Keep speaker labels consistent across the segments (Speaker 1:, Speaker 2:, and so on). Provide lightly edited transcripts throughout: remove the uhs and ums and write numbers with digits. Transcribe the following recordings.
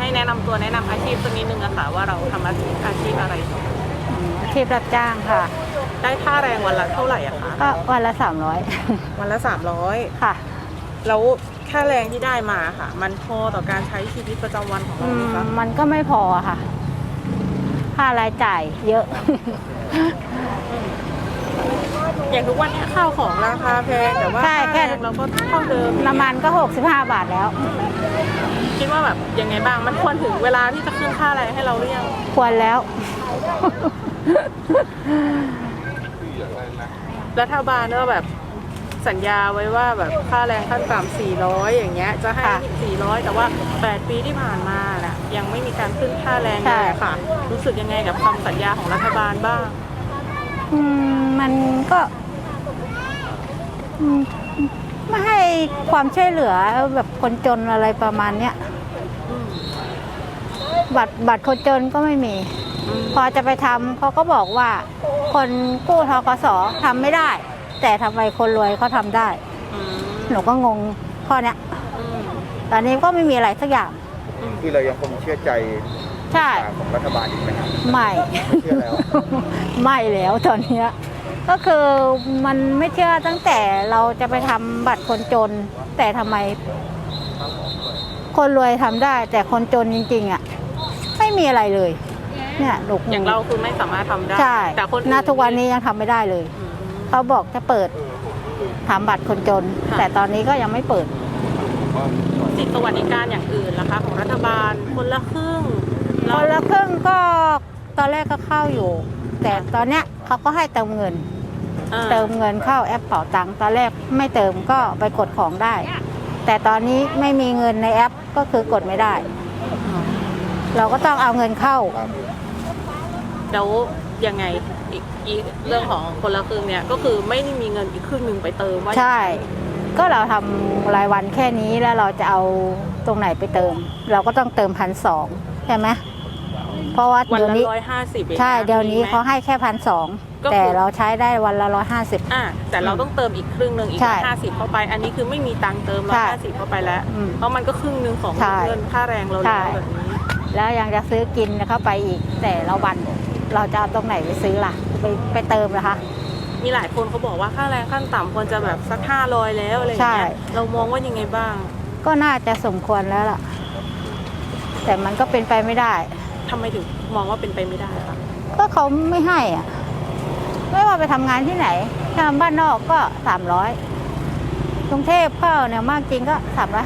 Speaker 1: แนะนำตัวแนะนำอาชีพสักนิดนึงอะค่ะว่าเราทำอาชีพอะไร
Speaker 2: อาชีพรับจ้างค่ะ
Speaker 1: ได้ค่าแรงวันละเท่าไหร่อะคะ
Speaker 2: ก็วันละ300
Speaker 1: วันละ300
Speaker 2: ค่ะ
Speaker 1: แล้วค่าแรงที่ได้มาค่ะมันพอต่อการใช้ชีวิตประจำวันของเราไหมคะ
Speaker 2: มันก็ไม่พอค่ะค่ารายจ่ายเยอะ
Speaker 1: อย่างทุกวันนี้ข้าวของราคาแพงแต่ว่าค่าแรงเราก็เท่าเดิม
Speaker 2: น้ำมันก็65 บาทแล้ว
Speaker 1: คิดว่าแบบยังไงบ้างมันควรถึงเวลาที่จะขึ้นค่าแรงให้เราหรือยัง
Speaker 2: ควรแล้ว
Speaker 1: รัฐบาลก็แบบสัญญาไว้ว่าแบบค่าแรงขั้นต่ำ400อย่างเงี้ยจะให้400แต่ว่า8ปีที่ผ่านมาน่ะยังไม่มีการขึ้นค่าแรงเลยค่ะรู้สึกยังไงกับคำสัญญาของรัฐบาลบ้าง
Speaker 2: มันก็ไม่ให้ความช่วยเหลือแบบคนจนอะไรประมาณเนี้ยบัตรคนจนก็ไม่มีพอจะไปทำเขาก็บอกว่าคนกู้ธกส.ทำไม่ได้แต่ทำไมคนรวยเขาทำได้หนูก็งงข้อเนี้ยตอนนี้ก็ไม่มีอะไรสักอย่าง
Speaker 3: คือเรายังคงเชื่อใจ
Speaker 2: ใช่
Speaker 3: ของรัฐบาลอีกไหมครับ
Speaker 2: ไม่
Speaker 3: เชื่อแล้ว
Speaker 2: ไม่แล้วตอนนี้ก็คือมันไม่เชื่อตั้งแต่เราจะไปทำบัตรคนจนแต่ทำไมคนรวยทำได้แต่คนจนจริงๆอ่ะไม่มีอะไรเลยเนี่ยหนู
Speaker 1: อย่างเราคือไม่สามารถทำได้
Speaker 2: ใช่แต่คนณทุกวันนี้ยังทำไม่ได้เลยเขาบอกจะเปิดทำบัตรคนจนแต่ตอนนี้ก็ยังไม่เปิด
Speaker 1: สิทธิสวัสดิการอย่างอื่นล่ะคะของรัฐบาลคนละครึ่ง
Speaker 2: ก็ตอนแรกก็เข้าอยู่แต่ตอนเนี้ยเขาก็ให้เติมเงินเข้าแอปเป๋าตังค์ตอนแรกไม่เติมก็ไปกดของได้แต่ตอนนี้ไม่มีเงินในแอปก็คือกดไม่ได้เราก็ต้องเอาเงินเข้า
Speaker 1: แล้วยังไงอีกเรื่องของคนละครึ่งเนี่ยก็คือไม่ได้มีเงินอีกครึ่งหนึ่งไปเติมว่า
Speaker 2: ใช่ก็เราทำรายวันแค่นี้แล้วเราจะเอาตรงไหนไปเติมเราก็ต้องเติม1,200ใช่ไหมเพราะว่า
Speaker 1: วันละ
Speaker 2: 150ใช่เดี๋ยวนี้เขาให้แค่1,200แต่เราใช้ได้วันละ150
Speaker 1: แต่เราต้องเติมอีกครึ่งนึงอีก50เข้าไปอันนี้คือไม่มีตังค์เติม150เข้าไปแล้วเพราะมันก็ครึ่งนึงของเงินค่าแรงเราแล้วแบบนี้
Speaker 2: แล้วยังจะซื้อกินเข้าไปอีกแต่ละวันเราจะเอาตรงไหนไปซื้อล่ะไปเติมนะคะ
Speaker 1: มีหลายคนเขาบอกว่าค่าแรงขั้นต่ำควรจะแบบสัก500แล้วอะไรอย่างเงี้ยเรามองว่ายังไงบ้าง
Speaker 2: ก็น่าจะสมควรแล้วล่ะแต่มันก็เป็นไปไม่ได้
Speaker 1: ทำไมถึงมองว่าเป็นไปไม่ได้คะ
Speaker 2: ก็เขาไม่ให้อ่ะไม่ว่าไปทำงานที่ไหนทำบ้านนอกก็300กรุงเทพเข้าเนี่ยมากจริงก็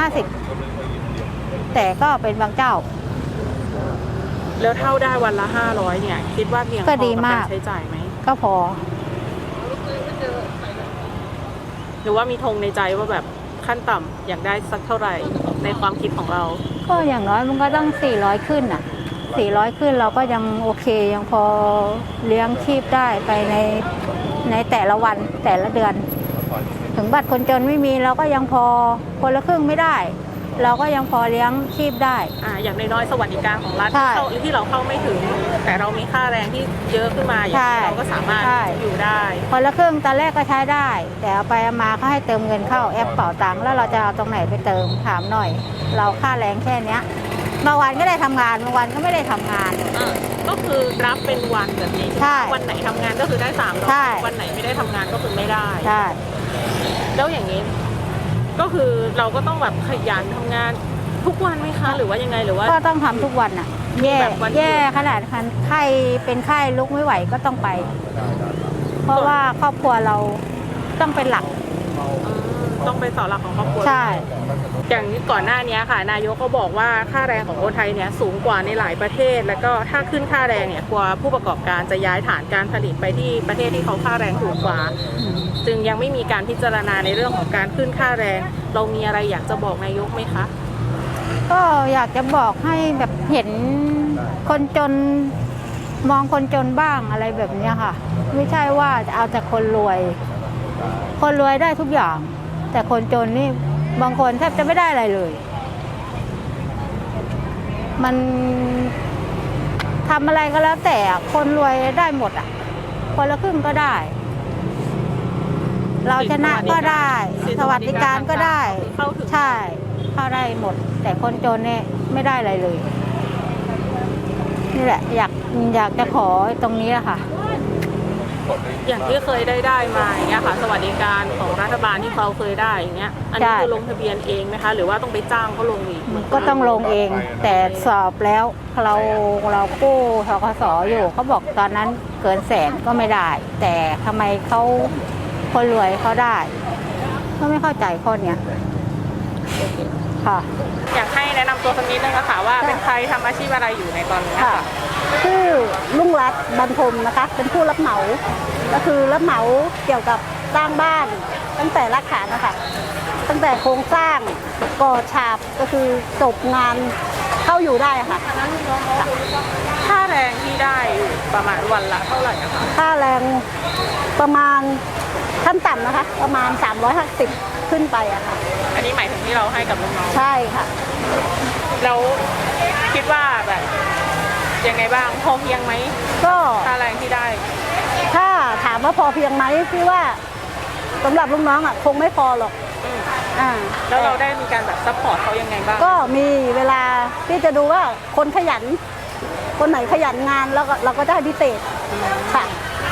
Speaker 2: 350แต่ก็เป็นบางเจ้า
Speaker 1: แล้วเท่าได้วันละ500เนี่ยคิดว่าเพียงพอกับการใช้จ่ายไหม
Speaker 2: ก็พอ
Speaker 1: หรือว่ามีธงในใจว่าแบบขั้นต่ำอยากได้สักเท่าไหร่ในความคิดของเรา
Speaker 2: ก็อย่างน้อยมันก็ต้อง400ขึ้นอ่ะ400ขึ้นเราก็ยังโอเคยังพอเลี้ยงชีพได้ไปในแต่ละวันแต่ละเดือนถึงบัตรคนจนไม่มีเราก็ยังพอคนละครึ่งไม่ได้เราก็ยังพอเลี้ยงชีพได้
Speaker 1: อย่างน้อยๆสวัสดิการของรัฐที่เราเข้าไม่ถึงแต่เรามีค่าแรงที่เยอะขึ้นมาอย่างนี้เราก็สามารถอยู่ได้
Speaker 2: คนละครึ่งตอนแรกก็ใช้ได้แต่เอาไปมาเขาให้เติมเงินเข้าแอปเป๋าตังค์แล้วเราจะเอาตรงไหนไปเติมถามหน่อยเราค่าแรงแค่นี้บางวันก็ได้ทำงานบางวันก็ไม่ได้ทำงาน
Speaker 1: ก็คือรับเป็นวันแบบนี้วันไหนทำงานก็คือได้300วันไหนไม่ได้ทำงานก็คือไม่ได้
Speaker 2: ใช่
Speaker 1: แล้วอย่างนี้ก็คือเราก็ต้องแบบขยันทำงานทุกวันไหมคะหรือว่ายังไงหรือว่า
Speaker 2: ก็ต้องทำทุกวันอ่ะแย่ขนาดไข้เป็นไข้ลุกไม่ไหวก็ต้องไปเพราะว่าครอบครัวเราต้องเป็นหลัก
Speaker 1: ต้องเป็นเสาหลักของครอบครัว
Speaker 2: ใช่
Speaker 1: อย่างนี้ก่อนหน้านี้ค่ะนายกก็บอกว่าค่าแรงของคนไทยเนี่ยสูงกว่าในหลายประเทศแล้วก็ถ้าขึ้นค่าแรงเนี่ยกลัวผู้ประกอบการจะย้ายฐานการผลิตไปที่ประเทศที่เขาค่าแรงถูกกว่าจึงยังไม่มีการพิจารณาในเรื่องของการขึ้นค่าแรงเรามีอะไรอยากจะบอกนายกไหมคะ
Speaker 2: ก็อยากจะบอกให้แบบเห็นคนจนมองคนจนบ้างอะไรแบบนี้ค่ะไม่ใช่ว่าจะเอาแต่คนรวยได้ทุกอย่างแต่คนจนนี่บางคนแทบจะไม่ได้อะไรเลยมันทำอะไรก็แล้วแต่คนรวยได้หมดอ่ะคนละครึ่งก็ได้เราชนะก็ได้สวัสดิการก็ได้ใช่เข้าได้หมดแต่คนจนเนี่ยไม่ได้อะไรเลยนี่แหละอยากจะขอตรงนี้อะค่ะ
Speaker 1: อย่างที่เคยได้มาอย่างเงี้ยค่ะสวัสดิการของรัฐบาลที่เขาเคยได้อย่างเงี้ยอันนี้
Speaker 2: ใช่
Speaker 1: คือลงทะเบียนเองไหมคะหรือว่าต้องไปจ้างเขาลงอีก
Speaker 2: ก็ต้องลงเอง แต่สอบแล้วเรากู้ธกสอยู่เขาบอกตอนนั้นเกิน100,000ก็ไม่ได้ แต่ทำไมเขาคนรวยเขาได้ ก็ไม่เข้าใจข้อเนี้ยค่ะ
Speaker 1: อยากให้แนะนำตัวสักนิดนึงค่ะว่าเป็นใครทำอาชีพอะไรอยู่ในตอนนี้
Speaker 2: ค่ะ
Speaker 1: ค่ะ
Speaker 2: ชื่อลุงรัตน์บรรทมนะคะ เป็นผู้รับเหมา ก็คือรับเหมาเกี่ยวกับสร้างบ้านตั้งแต่รากฐานนะคะตั้งแต่โครงสร้างก่อฉาบก็คือจบงานเข้าอยู่ได้ค่ะ
Speaker 1: ค่าแรงที่ได้อยู่ประมาณวันละเท่าไหร่นะคะ
Speaker 2: ค่าแรงประมาณขั้นต่ำนะคะ ประมาณ350ขึ้นไปอะค่ะ
Speaker 1: อันนี้หมายถึงที่เราให้กับลูกน้อง
Speaker 2: ใช่ค่ะ
Speaker 1: แล้วคิดว่าแบบยังไงบ้างพอเพียงไหม
Speaker 2: ก็
Speaker 1: ค่าแรงที่ได้
Speaker 2: ถ้าถามว่าพอเพียงไหมพี่ว่าสำหรับลูกน้องอะคงไม่พอหรอก
Speaker 1: อืม
Speaker 2: อ่า
Speaker 1: แล้วเราได้มีการแบบซัพพอร์ตเขายังไงบ้าง
Speaker 2: ก็มีเวลาพี่จะดูว่าคนขยัน คนไหนขยันงานแล้วก็เราก็ได้พิเศษค่ะ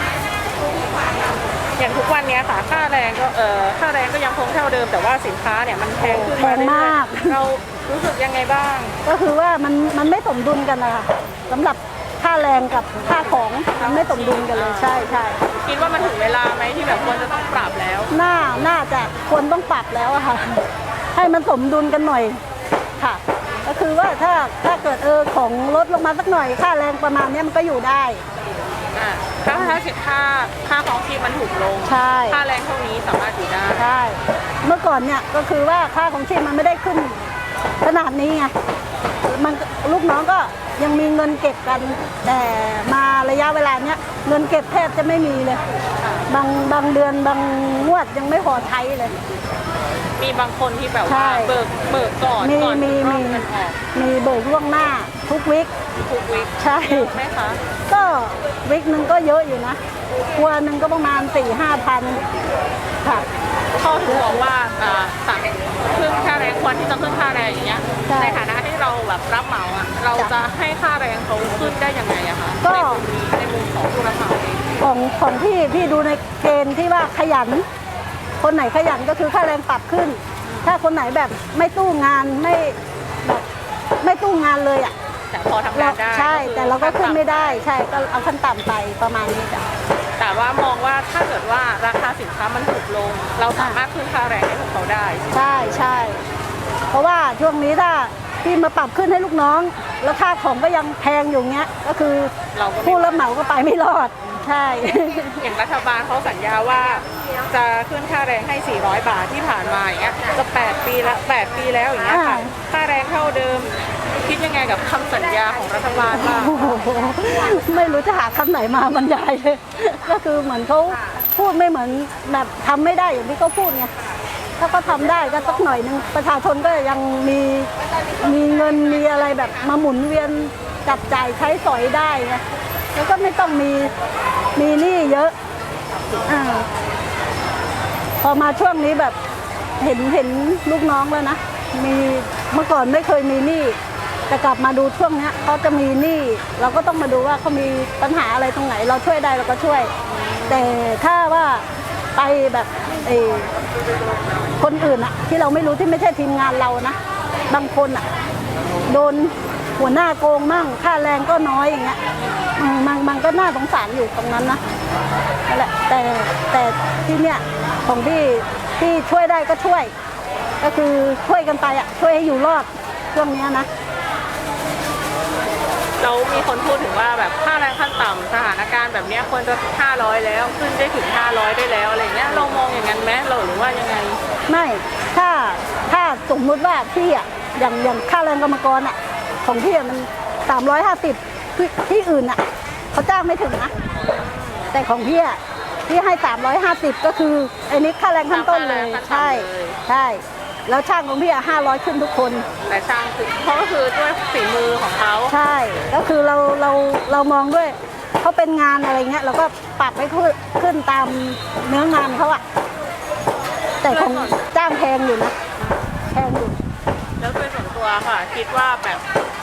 Speaker 1: อย่างทุกวันนี้ค่ะค่าแรงก็ค่าแรงก็ยังคงเท่าเดิมแต่ว่าสินค้าเนี่ยมันแพงขึ้น
Speaker 2: แพงมาก
Speaker 1: เรื่อยๆเรารู้สึกยังไงบ้าง
Speaker 2: ก็คือว่ามันไม่สมดุลกันนะคะสำหรับค่าแรงกับค่าของมันไม่สมดุลกันเลยใช่ใช่
Speaker 1: คิดว่ามันถึงเวลาไหมที่แบบควรจะต้องปรับแล้ว
Speaker 2: น่าจะควรต้องปรับแล้วอะค่ะ ให้มันสมดุลกันหน่อยค่ะ ก็คือว่าถ้าเกิดของลดลงมาสักหน่อยค่าแรงประมาณเนี้ยมันก็อยู่ได้
Speaker 1: ถ้าสินค้าค่าของชีพมันถูกลง
Speaker 2: ใช่
Speaker 1: ค่าแรงเท่านี้สามารถอยู่ได้
Speaker 2: ใช่เมื่อก่อนเนี่ยก็คือว่าค่าของชีพมันไม่ได้ขึ้นขนาดนี้ไงมันลูกน้องก็ยังมีเงินเก็บกัน แต่มาระยะเวลาเนี้ยเงินเก็บแทบจะไม่มีเลยบางเดือนบางงวดยังไม่พอใช้เลย
Speaker 1: มีบางคนที่แบบ
Speaker 2: ใช่
Speaker 1: ว่าเบิกก่อน
Speaker 2: มี
Speaker 1: ก่อน
Speaker 2: มี
Speaker 1: รอบ
Speaker 2: มี
Speaker 1: เงินออก
Speaker 2: มีเบิกล่วงหน้าทุกวิก
Speaker 1: ทุกวิก
Speaker 2: ใช่
Speaker 1: เยอะไหมคะ
Speaker 2: ก็วิกหนึ่งก็เยอะอยู่นะครัวหนึ่งก็ประมาณ 4-5 พันค่ะ
Speaker 1: เขาถึงบอกว่าสั่งขึ้นค่าแรงควรที่จะขึ้นค่าแรงอย่างเงี้ย
Speaker 2: ใช่
Speaker 1: ในฐานะที่เราแบบรับเหมาอ่ะเราจะให้ค่าแรงเขาขึ้นได้ยังไงอะคะ
Speaker 2: ก็
Speaker 1: ในมุมของผู้รับเหมาเอง
Speaker 2: ของพี่ดูในเกณฑ์ที่ว่าขยัน คนไหนขยันก็คือค่าแรงปรับขึ้น ถ้าคนไหนแบบไม่ตู้งานแบบไม่ตู้งานเลยอ่ะ
Speaker 1: แต่พอทำงานได้
Speaker 2: ใช่
Speaker 1: คือ
Speaker 2: แต่เราก็ขึ้นไม่ได้ใช่ก็เอาขั้นต่ำไปประมาณนี้จ้ะ
Speaker 1: แต่ว่ามองว่าถ้าเกิดว่าราคาสินค้ามันถูกลง เราสามารถขึ้นค่าแรงให้พวกเขาได้
Speaker 2: ใช่ใช่เพราะว่าช่วงนี้ถ้าพี่มาปรับขึ้นให้ลูกน้อง แล้วค่าของก็ยังแพงอยู่เงี้ยก็คือ
Speaker 1: เราก็ไม่
Speaker 2: ผู้รับเหมาก็ไปไม่รอดใช่
Speaker 1: อย่างรัฐบาลเขาสัญญาว่าจะขึ้นค่าแรงให้ 400 บาทที่ผ่านมาอย่างเงี้ยจะ8 ปีแล้วอย่างเงี้ยค่ะ
Speaker 2: อ่า
Speaker 1: ค่าแรงเท่าเดิม คิดยังไงกับคำสัญญาของรัฐบาลบ้าง
Speaker 2: โอ้โหไม่รู้จะหาคำไหนมาบรรยายเลย ก็คือเหมือนเขาพูดไม่เหมือนแบบทำไม่ได้อย่างที่เขาพูดไงถ้าเขาทำได้ก็สักหน่อยนึงประชาชนก็ยังมีเงินมีอะไรแบบมาหมุนเวียนจับจ่ายใช้สอยได้ไงแล้วก็ไม่ต้องมีหนี้เยอะอาพอมาช่วงนี้แบบเห็นลูกน้องแล้วนะมีเมื่อก่อนไม่เคยมีหนี้แต่กลับมาดูช่วงเนี้ยเขาจะมีหนี้เราก็ต้องมาดูว่าเขามีปัญหาอะไรตรงไหน เราช่วยได้เราก็ช่วย แต่ถ้าว่าไปแบบคนอื่นอะที่เราไม่รู้ที่ไม่ใช่ทีมงานเรานะบางคนอะโดนหัวหน้าโกงมั่งค่าแรงก็น้อยอย่างเงี้ยมันก็น่าสงสารอยู่ตรงนั้นนะนั่นแหละแต่ที่เนี้ยของพี่ช่วยได้ก็ช่วย ก็คือช่วยกันไปอะช่วยให้อยู่รอดช่วงเนี้ยนะ
Speaker 1: เรามีคนพูดถึงว่าแบบค่าแรงขั้นต่ำสถานการณ์แบบเนี้ยควรจะ500แล้วขึ้นได้ถึง500ได้แล้วอะไรเงี้ยเรามองอย่างนั้นไหมเราหรือว่ายังไง
Speaker 2: ไม่ถ้าสมมุติว่าพี่อะอย่างค่าแรงกรรมกรอะของพี่อะมัน350ที่อื่นอะเขาจ้างไม่ถึงนะแต่ของพี่อะพี่ให้350ก็คือไอ้นี้ค่าแรงขั้นต้นเลยใช่แล้วช่างของพี่อะ500ขึ้นทุกคน
Speaker 1: แต่ช่างคือเพราะก็คือด้วยฝีมือของเขา
Speaker 2: ใช่ก็คือเรามองด้วยเขาเป็นงานอะไรเงี้ยเราก็ปรับให้ขึ้นตามเนื้องานเขาอะแต่ของจ้างแพงอยู่นะแพงอยู่
Speaker 1: แล้วโดยส่วนตัวค่ะ คิดว่าแบบ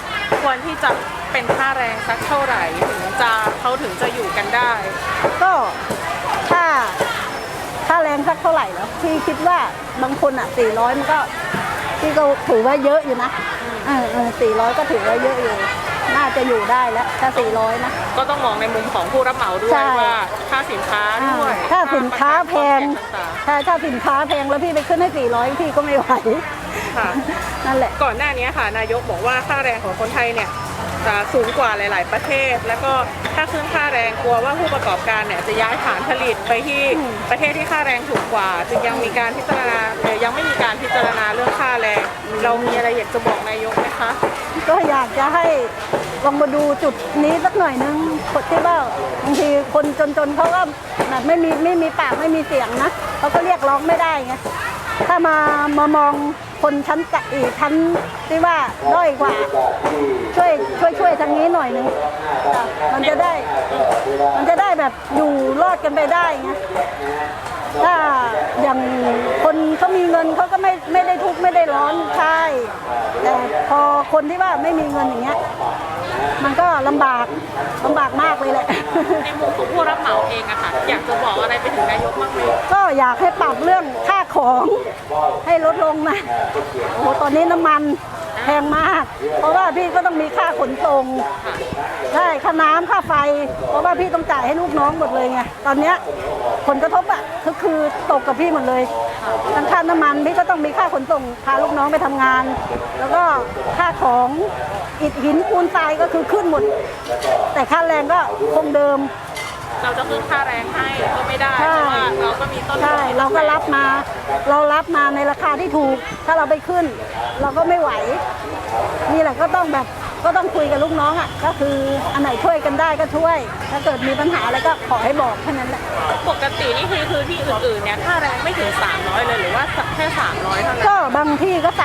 Speaker 1: ควรที่จะเป็นค่าแรงสักเท่าไหร่เขาถึงจะอยู่กันได้
Speaker 2: ก็ถ้าค่าแรงสักเท่าไหร่แล้วพี่คิดว่าบางคนอ่ะ400มันก็พี่ก็ถือว่าเยอะอยู่นะ400ก็ถือว่าเยอะอยู่น่าจะอยู่ได้แล้วถ้า400นะ
Speaker 1: ก็ต้องมองในมุมของผู้รับเหมาด้วยว่าค่าสินค้าด้วย
Speaker 2: ถ้าสินค้าแพง
Speaker 1: ต่าง
Speaker 2: ถ้าสินค้าแพงแล้วพี่ไปขึ้นให้400พี่ก็ไม่ไหว
Speaker 1: ๆค่ะ
Speaker 2: นั่นแหละ
Speaker 1: ก่อนหน้านี้ค่ะนายกบอกว่าค่าแรงของคนไทยเนี่ยจะสูงกว่าหลาย ๆ ประเทศ แล้วก็ถ้าขึ้นค่าแรงกลัวว่าผู้ประกอบการเนี่ยจะย้ายฐานผลิตไปที่ประเทศที่ค่าแรงถูกกว่าจึงยังมีการพิจารณายังไม่มีการพิจารณาเรื่องค่าแรง เรามีอะไรอยากจะบอกนายกไหมคะ
Speaker 2: ก็อยากจะให้ลองมาดูจุดนี้สักหน่อยนึงคนที่ว่าบางทีคนจนๆเขาก็แบบไม่มีปากไม่มีเสียงนะเขาก็เรียกร้องไม่ได้ไงถ้ามามองคนชั้นชั้นที่ว่าด้อยกว่าช่วยทางนี้หน่อยนึงจ้ะมันจะได้แบบอยู่รอดกันไปได้ไงถ้าอย่างคนเขามีเงินเขาก็ไม่ได้ทุกข์ไม่ได้ร้อนใช่แต่พอคนที่ว่าไม่มีเงินอย่างเงี้ยมันก็ลำบากมากเลยแหละ
Speaker 1: ในมุมของผู้รับเหมาเองอะค่ะอยากจะบอกอะไรไปถึงนายกบ้างไหม
Speaker 2: ก็อยากให้ปรับเรื่องค่าของให้ลดลงนะโอ้โหตอนนี้น้ำมันแพงมากเพราะว่าพี่ก็ต้องมีค่าขนส่งได้ค่าน้ำค่าไฟเพราะว่าพี่ต้องจ่ายให้ลูกน้องหมดเลยไงตอนเนี้ยผลกระทบอะก็คือตกกับพี่หมดเลยทั้งค่าน้ำมันพี่ก็ต้องมีค่าขนส่งพาลูกน้องไปทำงาน แล้วก็ค่าของอิฐหินปูนทรายก็คือขึ้นหมดแต่ค่าแรงก็คงเดิม
Speaker 1: เราจะขึ้นค่าแรงให้ก็ไม่ได้เพราะว่าเราก็มีต้นทุน
Speaker 2: ใช่เราก็รับมาในราคาที่ถูกถ้าเราไปขึ้น เราก็ไม่ไหวนี่แหละก็ต้องคุยกับลูกน้องอ่ะก็คืออันไหนช่วยกันได้ก็ช่วย ถ้าเกิดมีปัญหาอะไรก็ขอให้บอกแค่นั้นแหละ
Speaker 1: ปกตินี่คือที่อื่นๆเนี่ยค่าแรงไม่ถึง300เลยหรือว่าแค่300เท่านั้น
Speaker 2: ก็บางที่ก็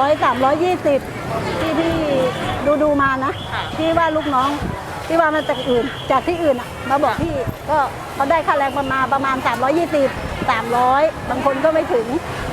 Speaker 2: 320ที่พี่ดูมานะที่ว่าลูกน้องที่ว่ามาจากที่อื่นอ่ะมาบอกพี่ก็เขาได้ค่าแรงประมาณ320 300บางคนก็ไม่ถึง